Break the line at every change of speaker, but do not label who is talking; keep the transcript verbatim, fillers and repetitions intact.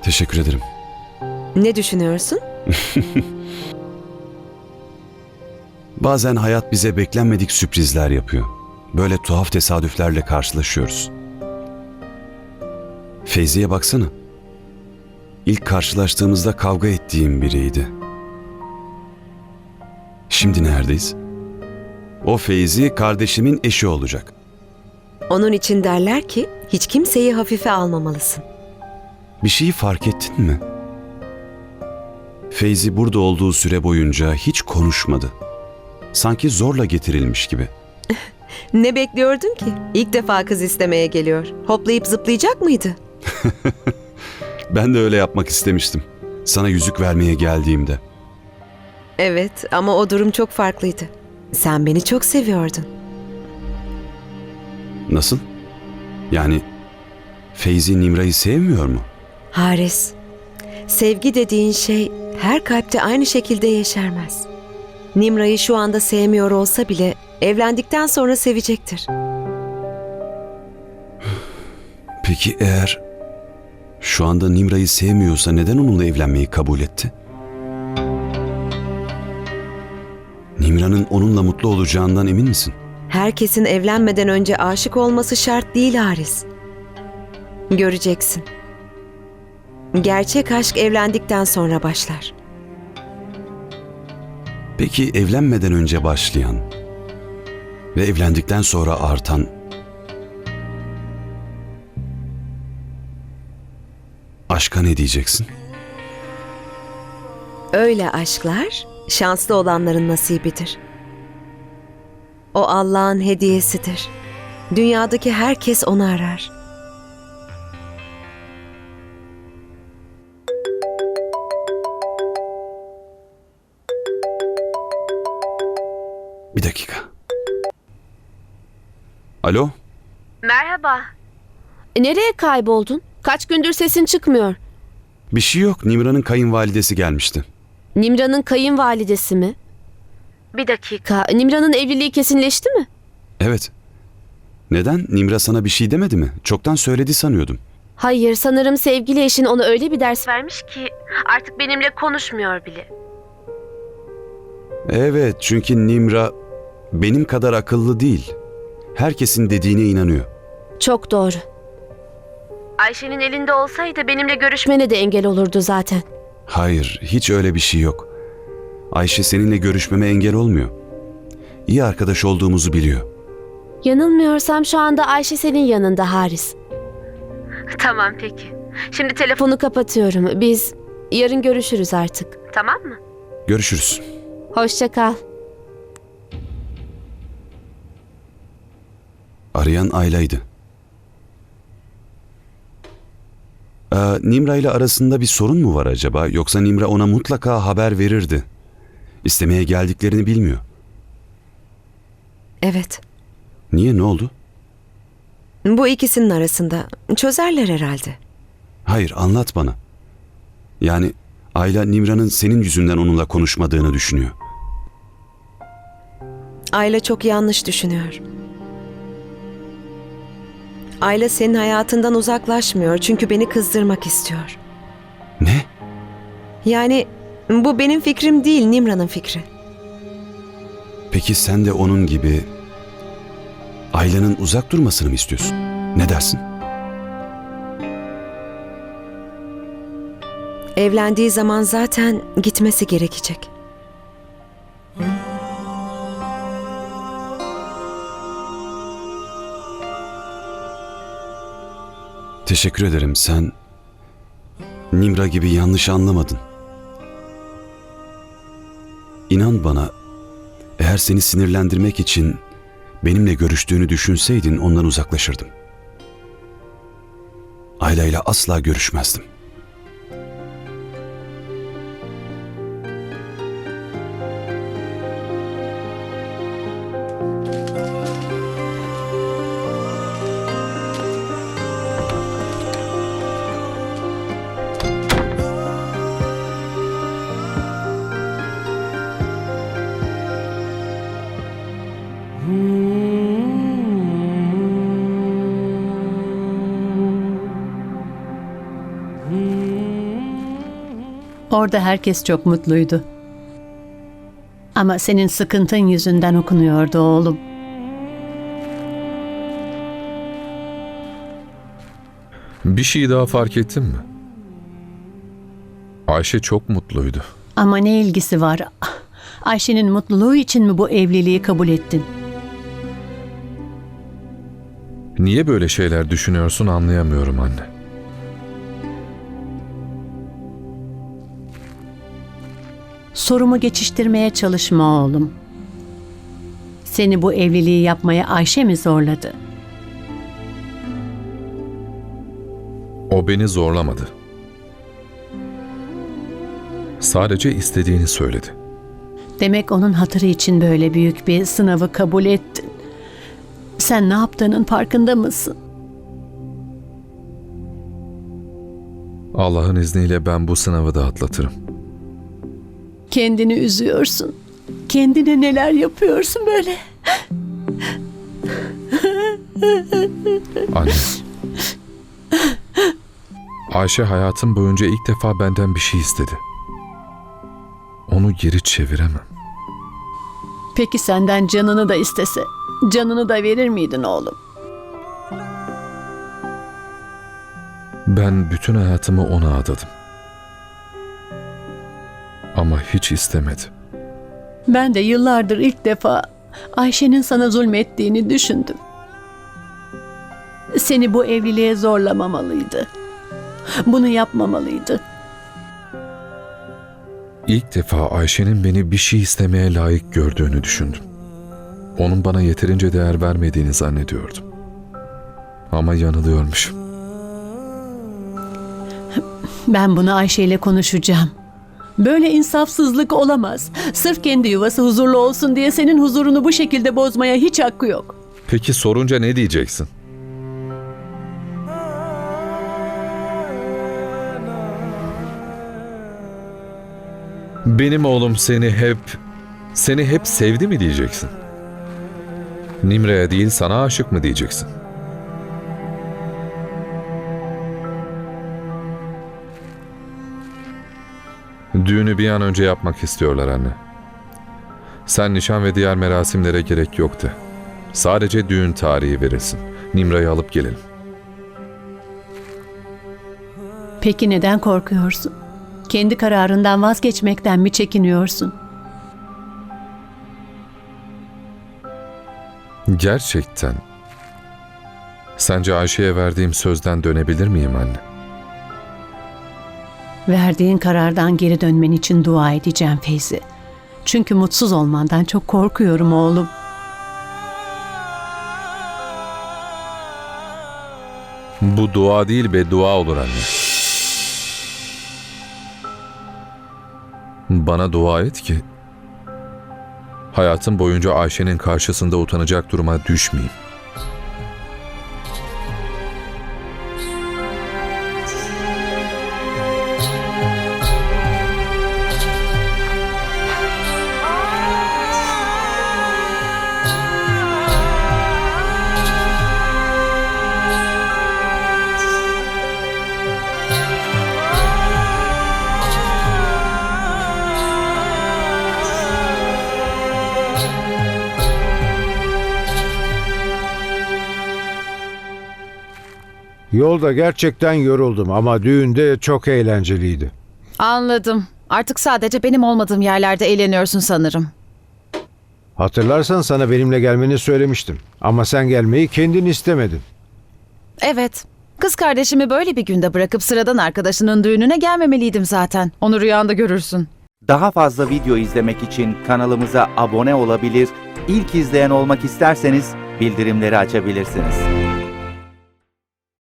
Teşekkür ederim.
Ne düşünüyorsun?
Bazen hayat bize beklenmedik sürprizler yapıyor. Böyle tuhaf tesadüflerle karşılaşıyoruz. Feyzi'ye baksana. İlk karşılaştığımızda kavga ettiğim biriydi. Şimdi neredeyiz? O Feyzi kardeşimin eşi olacak.
Onun için derler ki hiç kimseyi hafife almamalısın.
Bir şeyi fark ettin mi? Feyzi burada olduğu süre boyunca hiç konuşmadı. Sanki zorla getirilmiş gibi.
Ne bekliyordun ki? İlk defa kız istemeye geliyor. Hoplayıp zıplayacak mıydı?
Ben de öyle yapmak istemiştim. Sana yüzük vermeye geldiğimde.
Evet ama o durum çok farklıydı. Sen beni çok seviyordun.
Nasıl? Yani Feyzi Nimra'yı sevmiyor mu?
Haris, sevgi dediğin şey her kalpte aynı şekilde yeşermez. Nimra'yı şu anda sevmiyor olsa bile evlendikten sonra sevecektir.
Peki eğer şu anda Nimra'yı sevmiyorsa neden onunla evlenmeyi kabul etti? Nimra'nın onunla mutlu olacağından emin misin?
Herkesin evlenmeden önce aşık olması şart değil Haris. Göreceksin. Gerçek aşk evlendikten sonra başlar.
Peki evlenmeden önce başlayan ve evlendikten sonra artan aşka ne diyeceksin?
Öyle aşklar şanslı olanların nasibidir. O Allah'ın hediyesidir. Dünyadaki herkes onu arar.
Bir dakika. Alo?
Merhaba. E, Nereye kayboldun? Kaç gündür sesin çıkmıyor.
Bir şey yok. Nimra'nın kayınvalidesi gelmişti.
Nimra'nın kayınvalidesi mi? Bir dakika. Nimra'nın evliliği kesinleşti mi?
Evet. Neden? Nimra sana bir şey demedi mi? Çoktan söyledi sanıyordum.
Hayır, sanırım sevgili eşin ona öyle bir ders vermiş ki artık benimle konuşmuyor bile.
Evet, çünkü Nimra benim kadar akıllı değil. Herkesin dediğine inanıyor.
Çok doğru. Ayşe'nin elinde olsaydı benimle görüşmene de engel olurdu zaten.
Hayır, hiç öyle bir şey yok. Ayşe seninle görüşmeme engel olmuyor. İyi arkadaş olduğumuzu biliyor.
Yanılmıyorsam şu anda Ayşe senin yanında Haris. Tamam peki. Şimdi telefonu kapatıyorum. Biz yarın görüşürüz artık. Tamam mı?
Görüşürüz.
Hoşça kal.
Arayan Ayla'ydı. Ee, Nimra ile arasında bir sorun mu var acaba? Yoksa Nimra ona mutlaka haber verirdi. İstemeye geldiklerini bilmiyor.
Evet.
Niye, ne oldu?
Bu ikisinin arasında çözerler herhalde.
Hayır, anlat bana. Yani Ayla Nimra'nın senin yüzünden onunla konuşmadığını düşünüyor.
Ayla çok yanlış düşünüyor. Ayla senin hayatından uzaklaşmıyor çünkü beni kızdırmak istiyor.
Ne?
Yani bu benim fikrim değil, Nimra'nın fikri.
Peki sen de onun gibi Ayla'nın uzak durmasını mı istiyorsun? Ne dersin?
Evlendiği zaman zaten gitmesi gerekecek.
Teşekkür ederim. Sen Nimra gibi yanlış anlamadın. İnan bana, eğer seni sinirlendirmek için benimle görüştüğünü düşünseydin ondan uzaklaşırdım. Ayla ile asla görüşmezdim.
Orada herkes çok mutluydu. Ama senin sıkıntın yüzünden okunuyordu oğlum.
Bir şey daha fark ettin mi? Ayşe çok mutluydu.
Ama ne ilgisi var? Ayşe'nin mutluluğu için mi bu evliliği kabul ettin?
Niye böyle şeyler düşünüyorsun anlayamıyorum anne.
Sorumu geçiştirmeye çalışma oğlum. Seni bu evliliği yapmaya Ayşe mi zorladı?
O beni zorlamadı. Sadece istediğini söyledi.
Demek onun hatırı için böyle büyük bir sınavı kabul ettin. Sen ne yaptığının farkında mısın?
Allah'ın izniyle ben bu sınavı da atlatırım.
Kendini üzüyorsun. Kendine neler yapıyorsun böyle?
Anne. Ayşe hayatım boyunca ilk defa benden bir şey istedi. Onu geri çeviremem.
Peki senden canını da istese, canını da verir miydin oğlum?
Ben bütün hayatımı ona adadım. Ama hiç istemedi.
Ben de yıllardır ilk defa Ayşe'nin sana zulmettiğini düşündüm. Seni bu evliliğe zorlamamalıydı. Bunu yapmamalıydı.
İlk defa Ayşe'nin beni bir şey istemeye layık gördüğünü düşündüm. Onun bana yeterince değer vermediğini zannediyordum. Ama yanılıyormuşum.
Ben bunu Ayşe ile konuşacağım. Böyle insafsızlık olamaz. Sırf kendi yuvası huzurlu olsun diye senin huzurunu bu şekilde bozmaya hiç hakkı yok.
Peki sorunca ne diyeceksin? Benim oğlum seni hep, seni hep sevdi mi diyeceksin? Nimre'ye değil sana aşık mı diyeceksin? Düğünü bir an önce yapmak istiyorlar anne. Sen nişan ve diğer merasimlere gerek yok de. Sadece düğün tarihi verilsin. Nimra'yı alıp gelelim.
Peki neden korkuyorsun? Kendi kararından vazgeçmekten mi çekiniyorsun?
Gerçekten. Sence Ayşe'ye verdiğim sözden dönebilir miyim anne?
Verdiğin karardan geri dönmen için dua edeceğim Feyzi. Çünkü mutsuz olmandan çok korkuyorum oğlum.
Bu dua değil beddua olur anne. Bana dua et ki hayatım boyunca Ayşe'nin karşısında utanacak duruma düşmeyeyim.
Yolda gerçekten yoruldum ama düğünde çok eğlenceliydi.
Anladım. Artık sadece benim olmadığım yerlerde eğleniyorsun sanırım.
Hatırlarsan sana benimle gelmeni söylemiştim. Ama sen gelmeyi kendin istemedin.
Evet. Kız kardeşimi böyle bir günde bırakıp sıradan arkadaşının düğününe gelmemeliydim zaten. Onu rüyanda görürsün.
Daha fazla video izlemek için kanalımıza abone olabilir, ilk izleyen olmak isterseniz bildirimleri açabilirsiniz.